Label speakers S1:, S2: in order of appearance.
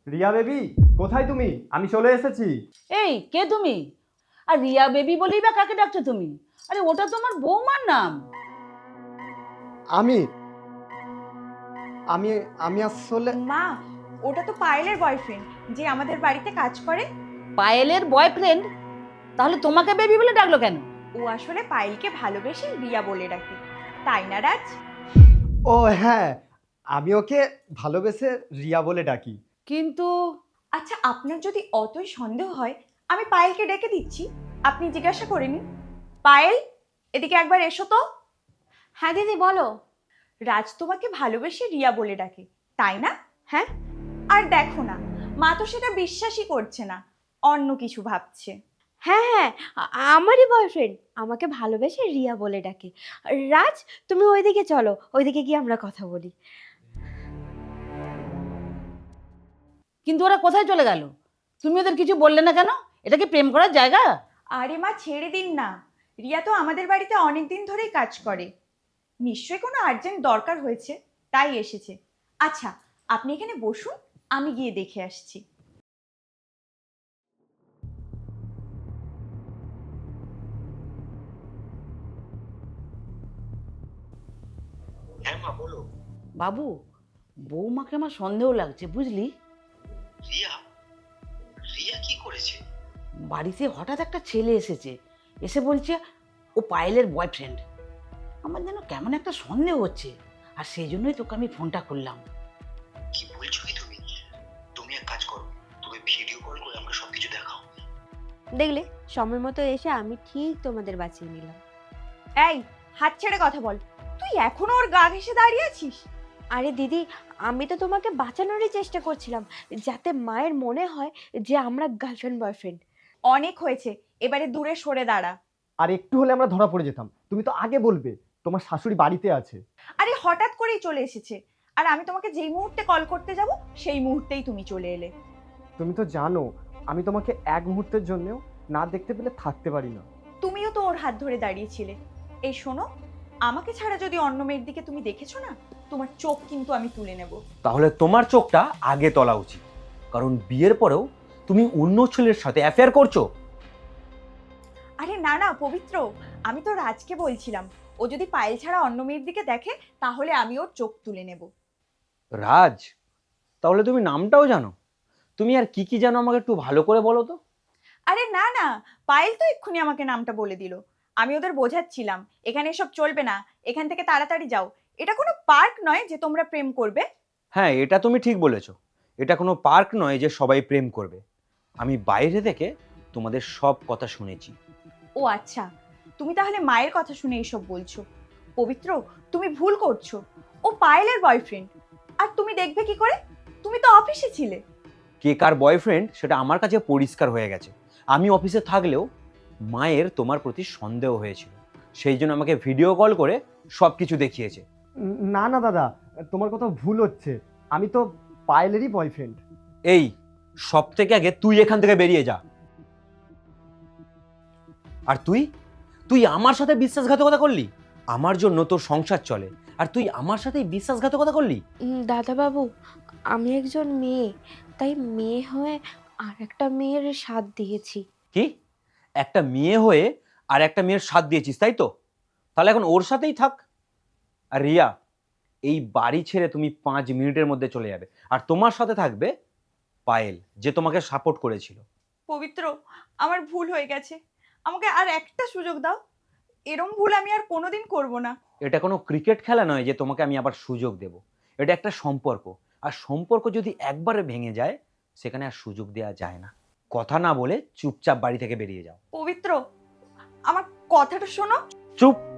S1: Riya baby, কোথায় তুমি? আমি চলে এসেছি।
S2: এই কে তুমি? আর রিয়া বেবি বলেই বা কাকে ডাকছো তুমি? আরে ওটা তোমার বৌমার নাম।
S1: আমি আমি আমি আসলে
S3: মা, ওটা তো পায়েলের বয়ফ্রেন্ড যে আমাদের বাড়িতে কাজ করে।
S2: পায়েলের বয়ফ্রেন্ড? তাহলে তোমাকে বেবি বলে ডাকলো কেন?
S3: ও আসলে পায়েলকে ভালোবেসে রিয়া বলে ডাকে, তাই না রাজ?
S1: ও হ্যাঁ, আমি ওকে ভালোবেসে রিয়া বলে ডাকি।
S2: কিন্তু
S3: আচ্ছা, আপনার যদি অতই সন্দেহ হয় আমি পায়েলকে ডেকে দিচ্ছি, আপনি জিজ্ঞাসা করে নিন। পায়েল, এদিকে একবার এসো তো।
S4: হ্যাঁ দিদি বলো।
S3: রাজ তোমাকে ভালোবেসে রিয়া বলে ডাকে, তাই না?
S4: হ্যাঁ
S3: আর দেখো না, মা তো সেটা বিশ্বাসই করছে না, অন্য কিছু ভাবছে।
S4: হ্যাঁ হ্যাঁ, আমারই বয়ফ্রেন্ড আমাকে ভালোবেসে রিয়া বলে ডাকে। রাজ, তুমি ওইদিকে চলো, ওইদিকে গিয়ে আমরা কথা বলি।
S2: কিন্তু ওরা কোথায় চলে গেল? তুমি ওদের কিছু বললে না কেন? এটা কি প্রেম করার জায়গা?
S3: আরে মা, ছেড়ে দিন না। রিয়া তো আমাদের বাড়িতে অনেক দিন ধরেই কাজ করে, নিশ্চয়ই কোনো আর্জেন্ট দরকার হয়েছে, তাই এসেছে। আচ্ছা, আপনি এখানে বসুন, আমি গিয়ে দেখে আসছি।
S5: হ্যাঁ মা বলো।
S2: বাবু, বৌমাকে আমার সন্দেহ লাগছে, বুঝলি?
S5: রিয়া রিয়া কি করেছে?
S2: বাড়িতে হঠাৎ একটা ছেলে এসেছে, এসে বলছে ও পায়েলের বয়ফ্রেন্ড। আমার যেন কেমন একটা সন্দেহ হচ্ছে, আর সেই জন্যই তোকে আমি ফোনটা করলাম।
S5: কি বলছো কি তুমি? তুমি এক কাজ করো, তুমি ভিডিও কল করে আমরা সবকিছু দেখাও।
S4: দেখলে, সময় মতো এসে আমি ঠিক তোমাদের বাঁচিয়ে নিলাম।
S3: এই, হাত ছেড়ে কথা বল। তুই এখনো ওর গা ঘেঁষে দাঁড়িয়ে আছিস?
S4: আরে দিদি, আমি তো তোমাকে বাঁচানোরই চেষ্টা করছিলাম, যাতে মায়ের মনে হয় যে আমরা গার্লফ্রেন্ড বয়ফ্রেন্ড।
S3: অনেক হয়েছে, এবারে দূরে সরে দাঁড়া।
S1: আর একটু হলে আমরা ধরা পড়ে যেতাম। তুমি তো আগে বলবে তোমার শাশুড়ি বাড়িতে আছে।
S3: আরে হঠাৎ করেই চলে এসেছে, আর আমি তোমাকে যেই মুহূর্তে কল করতে যাব সেই মুহূর্তেই তুমি চলে এলে।
S1: তুমি তো জানো আমি তোমাকে এক মুহূর্তের জন্যও না দেখতে পেলে থাকতে পারি না।
S3: তুমিও তো ওর হাত ধরে দাঁড়িয়েছিলে। এই শোনো, আমাকে ছাড়া যদি অন্য মেয়ের দিকে তুমি দেখেছো না, তোমার চোখ কিন্তু আমি তুলে নেব।
S6: তাহলে তোমার চোখটা আগে তোলা উচিত, কারণ বিয়ের পরেও তুমি অন্য ছেলের সাথে অ্যাফেয়ার করছো।
S3: আরে না না পবিত্র, আমি তো রাজকে বলছিলাম, ও যদি পায়েল ছাড়া অন্য মেয়ের দিকে দেখে তাহলে আমি ওর চোখ তুলে নেব।
S6: রাজ, তাহলে তুমি নামটাও জানো? তুমি আর কি কি জানো আমাকে একটু ভালো করে বলো তো।
S3: আরে না না, পায়েল তো এক্ষুনি আমাকে নামটা বলে দিল। আমি ওদের বোঝাচ্ছিলাম এখানে এসব চলবে না, এখান থেকে তাড়াতাড়ি যাও। এটা কোনো পার্ক নয় যে তোমরা প্রেম করবে।
S6: হ্যাঁ, এটা তুমি ঠিক বলেছো। এটা কোনো পার্ক নয় যে সবাই প্রেম করবে। আমি বাইরে থেকে তোমাদের সব কথা শুনেছি।
S3: ও আচ্ছা, তুমি তাহলে মায়ের কথা শুনে এসব বলছো। পবিত্র, তুমি ভুল করছো। ও পায়েলের বয়ফ্রেন্ড, আর তুমি দেখবে কি করে? তুমি তো অফিসে ছিলে।
S6: কে কার বয়ফ্রেন্ড সেটা আমার কাছে পরিষ্কার হয়ে গেছে। আমি অফিসে থাকলেও মায়ের তোমার প্রতি সন্দেহ হয়েছিল, সেই জন্য আমাকে ভিডিও কল করে সব কিছু দেখিয়েছে।
S1: না না দাদা, তোমার কথা ভুল হচ্ছে। আমি তো পায়েলেরই বয়ফ্রেন্ড।
S6: এই, সব থেকে আগে তুই এখান থেকে বেরিয়ে যা। আর তুই তুই আমার সাথে বিশ্বাসঘাতকতা করলি। আমার জন্য তোর সংসার চলে, আর তুই আমার সাথেই বিশ্বাসঘাতকতা করলি।
S4: দাদাবাবু, আমি একজন মেয়ে, তাই মেয়ে হয়ে আর একটা মেয়ের সাথ দিয়েছি।
S6: কি? একটা মেয়ে হয়ে আর একটা মেয়ের সাথ দিয়েছিস, তাই তো? তাহলে এখন ওর সাথেই থাক। আর রিয়া, এই বাড়ি ছেড়ে তুমি 5 মিনিটের মধ্যে চলে যাবে, আর তোমার সাথে থাকবে পায়েল, যে তোমাকে সাপোর্ট করেছিল।
S3: পবিত্র, আমার ভুল হয়ে গেছে, আমাকে আর একটা সুযোগ দাও। এরম ভুল আমি আর কোনোদিন করব না।
S6: এটা কোনো ক্রিকেট খেলা নয় যে তোমাকে আমি আবার সুযোগ দেব। এটা একটা সম্পর্ক, আর সম্পর্ক যদি একবারে ভেঙে যায় সেখানে আর সুযোগ দেওয়া যায় না। কথা না বলে চুপচাপ বাড়ি থেকে বেরিয়ে যাও।
S3: পবিত্র, আমার কথাটা শোনো।
S6: চুপ।